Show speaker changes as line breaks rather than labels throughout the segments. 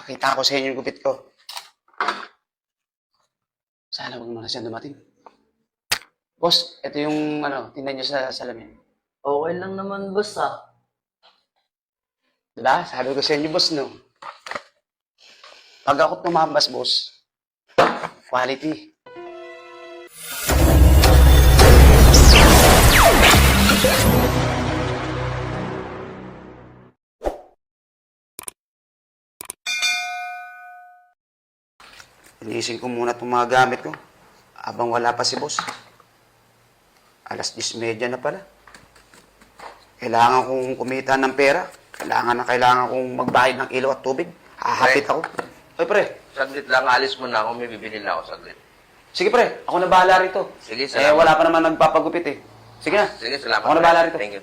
Papakita ko sa inyo yung gupit ko. Sana wag mo na siya dumating. Boss, ito yung tingnan nyo sa salamin.
Okay lang naman, boss, ah.
Diba? Sabi ko sa inyo, boss, no? Pag ako tumambas, boss, quality. Inisin ko muna itong mga gamit ko. Habang wala pa si boss. Alas 10:30 na pala. Kailangan kong kumita ng pera. Kailangan kong magbayad ng ilaw at tubig. Hahapit ako. Oy, pre.
Saglit lang, alis mo na ako. May bibili na ako saglit.
Sige, pre. Ako na bahala rito.
Sige, salamat.
Wala pa naman nagpapagupit eh. Sige na.
Sige, salamat.
Ako na bahala rito.
Thank you.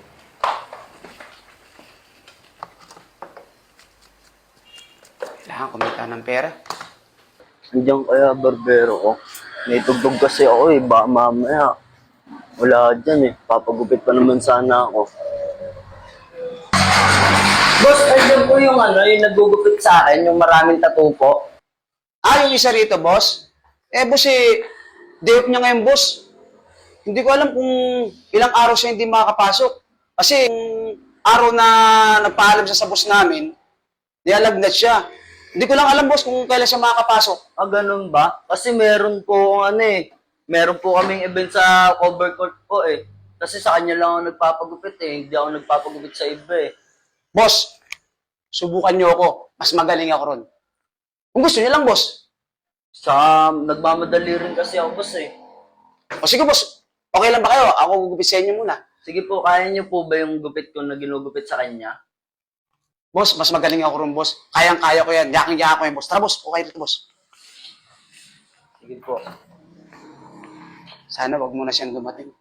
Kailangan kumita ng pera.
Andiyan kaya, barbero ko. May tugtog kasi ako, eh. Baka mamaya. Wala dyan, eh. Papagupit pa naman sana ako. Boss, andiyan po yung yung nagugupit sa akin, yung maraming tattoo po.
Yung isa rito, boss. Boss day off niya ngayon, boss. Hindi ko alam kung ilang araw siya hindi makakapasok. Kasi yung araw na nagpaalam siya sa boss namin, nialagnat siya. Hindi ko lang alam, boss, kung kailan siya makakapasok.
Ganun ba? Kasi meron po meron po kaming event sa cover court po, eh. Kasi sa kanya lang ako nagpapagupit, eh. Hindi ako nagpapagupit sa iba, eh.
Boss, subukan niyo ako. Mas magaling ako ron. Kung gusto niyo lang, boss.
Nagmamadali rin kasi ako, boss, eh.
O sige, boss. Okay lang ba kayo? Ako gugupit sa inyo muna.
Sige po, kaya niyo po ba yung gupit ko na ginugupit sa kanya?
Boss, mas magaling ako ron, boss. Kayang-kaya ko yan. Yaking-yaka ko yan, boss. Tara, boss. Okay rito, boss.
Sige po.
Sana wag mo na siyang dumating.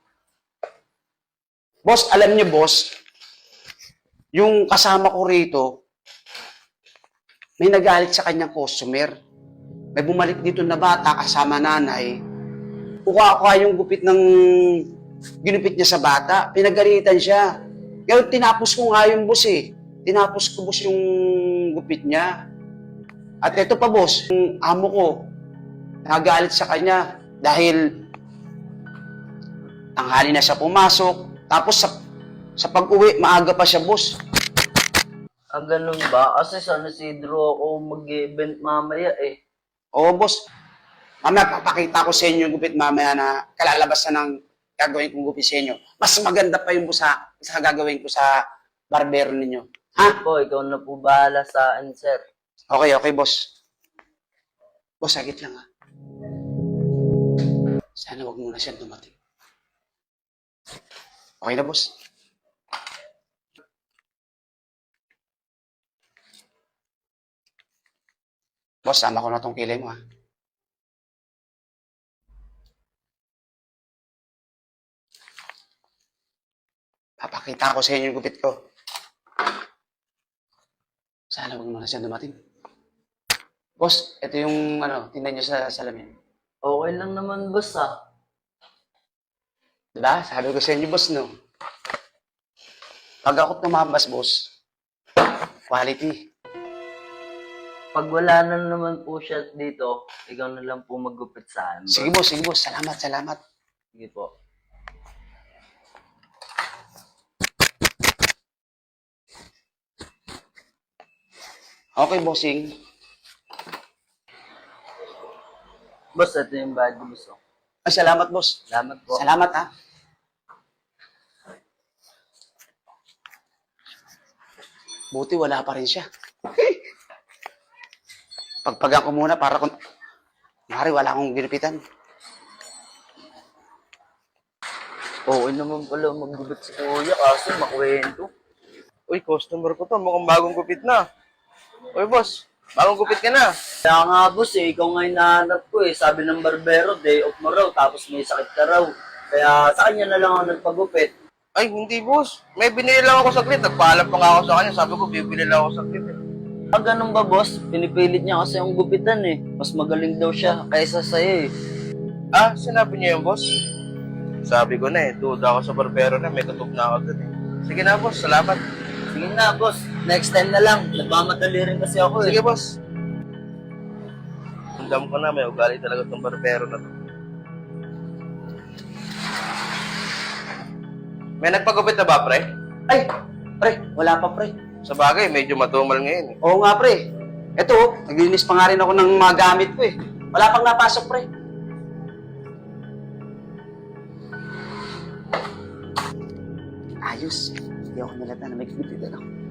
Boss, alam niyo, boss, yung kasama ko rito, may nagalit sa kanyang customer. May bumalik dito na bata kasama nanay. Kuha yung gupit ng ginupit niya sa bata. Pinagalitan siya. Kaya tinapos ko nga yung boss eh. Tinapos ko, boss, yung gupit niya. At ito pa, boss, yung amo ko, nagalit sa kanya dahil tanghali na siya pumasok. Tapos sa pag-uwi, maaga pa siya, boss.
Ganun ba? Kasi sa Isidro ako mag-event mamaya, eh.
Oo, boss. Mamaya, papakita ko sa inyo yung gupit mamaya na kalalabas na ng gagawin kong gupit sa inyo. Mas maganda pa yung boss sa gagawin ko sa barbero ninyo. Ha?
Po, ikaw na po bahala sa akin, sir.
Okay, boss. Boss, sagit lang ha. Sana wag muna siyang dumating. Okay na, boss. Boss, sama ko na tong kilay mo ha. Papakita ko sa inyo yung gupit ko. Sana wag muna siyang dumating. Boss, ito yung tingnan nyo sa salamin.
Okay lang naman, boss, ah.
Diba? Sabi ko sa inyo, boss, no? Pag ako tumambas, boss, quality.
Pag wala na naman po siya dito, ikaw na lang po maggupit sa akin, boss.
Sige, boss. Salamat.
Sige po.
Okay, bossing.
Boss, ito yung bad news, oh.
Ay, salamat, boss.
Salamat po.
Salamat, ha. Buti wala pa rin siya. Pagpagan ko muna para kung... Mari, wala akong ginupitan.
Oo naman pala maggupit si kuya kasi makwento.
Uy, customer ko to. Mukhang bagong gupit na. Uy, boss. Bagong gupit ka na.
Kaya nga, boss, eh, ikaw nga yung nahanap ko, eh. Sabi ng barbero, day off mo raw, tapos may sakit ka raw. Kaya sa kanya na lang ako nagpagupit.
Ay, hindi, boss. May binili lang ako saglit. Nagpaalam pa nga ako sa kanya. Sabi ko, bibili lang ako saglit.
Ganun ba, boss? Pinipilit niya kasi yung gupitan, eh. Mas magaling daw siya kaysa sa'yo, eh.
Sinabi niya yung boss? Sabi ko na eh. Duda ako sa barbero na. May tutok na ako dun eh. Sige na, boss. Salamat.
Sige na, boss. Next time na lang. Nagmamadali rin kasi ako, eh.
Sige, boss. Alam ko na, may ugali talaga itong barbero na to. May nagpagupit na ba, pre?
Ay, pre, wala pa, pre.
Sa bagay, medyo matumal ngayon eh.
Oo nga, pre. Eto, naglinis pa nga rin ako ng mga gamit ko eh. Wala pang napasok, pre. Ayos. Hindi ako nalata na may kumitin ako.